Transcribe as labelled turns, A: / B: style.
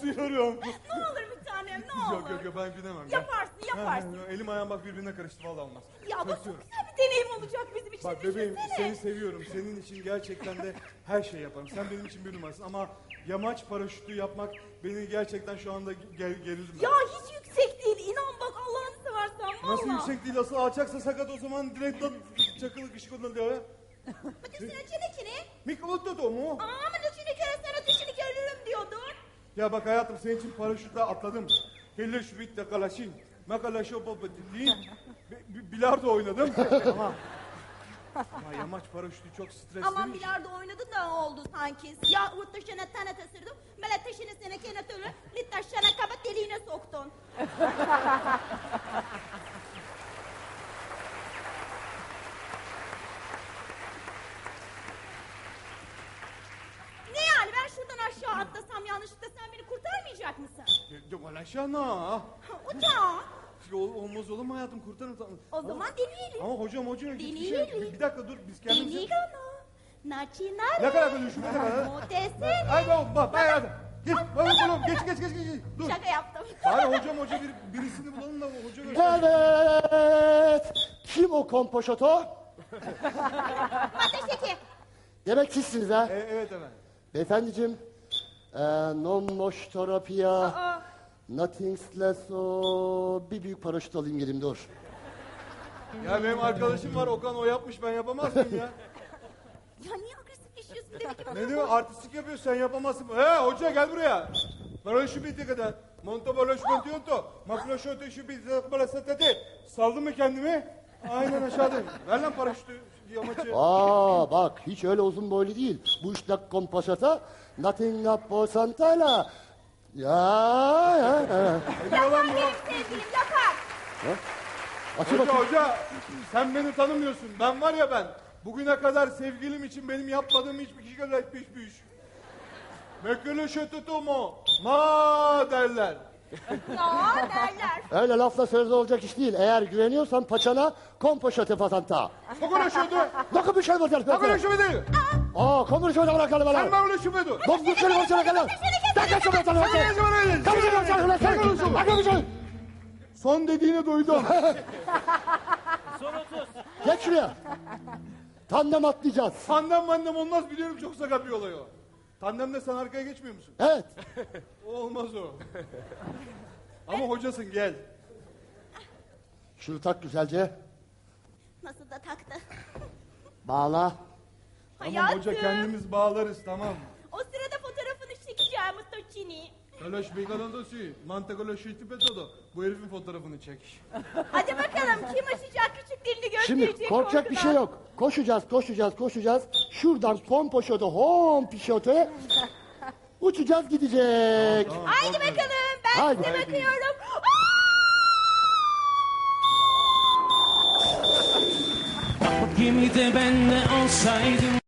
A: Korkuyorum.
B: Ne olur bir tanem ne olur.
A: Yok ben binemem.
B: Yaparsın.
A: Elim ayağım bak birbirine karıştı vallahi olmaz.
B: Ya bu çok
A: Kaçıyorum.
B: güzel bir deneyim olacak bizim için.
A: Bak bebeğim
B: Düşünsene.
A: seni seviyorum. Senin için gerçekten de her şey yaparım. Sen benim için bir numarasın ama yamaç paraşütü yapmak beni gerçekten şu anda gerildim ben.
B: Ya hiç yüksek değil. İnan bak Allah'ını seversen valla.
A: Nasıl yüksek değil asıl alçaksa sakat o zaman direkt çakılık ışık ondan diyor ya.
B: Hadi sen içine.
A: Mikrofon da mu?
B: Ama içine kere sana dışını görürüm diyordun.
A: Ya bak hayatım senin için paraşütle atladım. Helle şu bitle kalaşın. Makalaşo baba dediğin. Bilardo oynadım. Ama yamaç paraşütü çok stresli.
B: Aman bilardo oynadın da oldu sanki. Ya taşına tane tasırdım. Mele taşını sene kene türlü. Lit taşına kabat deliğine soktun. Ne yani ben şuradan aşağı atlasam yanlışlıkla sen beni kurtarmayacak mısın?
A: Yok alaşana.
B: Uçağı.
A: Olmaz olur mu hayatım kurtarım.
B: O zaman deneyelim.
A: Ama hocam hiçbir şey.
B: Deneyelim.
A: Bir dakika dur biz kendimiz.
B: Deneyelim. Naçinare.
A: Ne kadar düşün ne kadar?
B: Mutesene.
A: Haydi bak hayatım. Git oğlum geç. Dur.
B: Şaka yaptım.
A: Hayır hocam birisini bulalım da hoca göster.
C: Evet. Kim o kompoşoto?
B: Ateşeki.
C: Demek sizsiniz ha.
A: Evet efendim.
C: Beyefendiciğim. Non moş terapia. Nothing less o. Bir büyük paraşüt alayım geleyim dur.
A: Ya benim arkadaşım var Okan o yapmış ben yapamaz mıyım ya?
B: Ya niye agresifleşiyorsun demek ki
A: Ne diyor artistik yapıyor sen yapamazsın. Hoca gel buraya. Paraşüt bitti kadar. Monto paraşüt monto. Makroşote şu bitti bana satati. Saldım mı kendimi? Aynen aşağıdayım. Ver lan paraşütü yamaçı.
C: Bak hiç öyle uzun boylu değil. Bu işte kompoşota. Nothing posantala. Ya.
A: Ne diyor lan bu?
B: benim sevgilim yapar.
C: Açı bakayım.
A: Hoca sen beni tanımıyorsun. Ben var ya ben. Bugüne kadar sevgilim için benim yapmadığım hiçbir şey etmişmiş. Mekele şötötomo. Ma derler.
B: Ya derler.
C: Öyle lafla sözle olacak iş değil. Eğer güveniyorsan paçana kompoşote pasanta.
A: Kokona şötö.
C: Bakın bir şey var.
A: Kokona şötö.
C: Kompoşote bırakalım bana.
A: Sen böyle şötö.
C: Bak bu seni başına kalın. Dakika şöyle sana bakın. Bakın bir şey.
A: Son dediğini duydum.
C: Geç şuraya. Tandem atlayacağız.
A: Tandem olmaz biliyorum çok sakat bir olay o. Tandemde sen arkaya geçmiyor musun?
C: Evet.
A: O olmaz o. Ama hocasın gel.
C: Şunu tak güzelce.
B: Nasıl da taktı.
C: Bağla.
A: Tamam hoca kendimiz bağlarız tamam.
B: O sırada fotoğrafını çekeceğim Mustaçini.
A: Kalaş beygaladosi. Mantakoloş petodo. Bu herifin fotoğrafını çek.
B: Hadi bakalım kim aşacak küçüklerini gösterecek.
C: Şimdi korkacak bir şey yok. Koşacağız. Şuradan kompoşote pişote uçacağız gidecek.
A: Tamam,
B: Haydi
A: korkma.
B: bakalım ben
C: Haydi.
B: size bakıyorum.
D: Gemide ben de olsaydım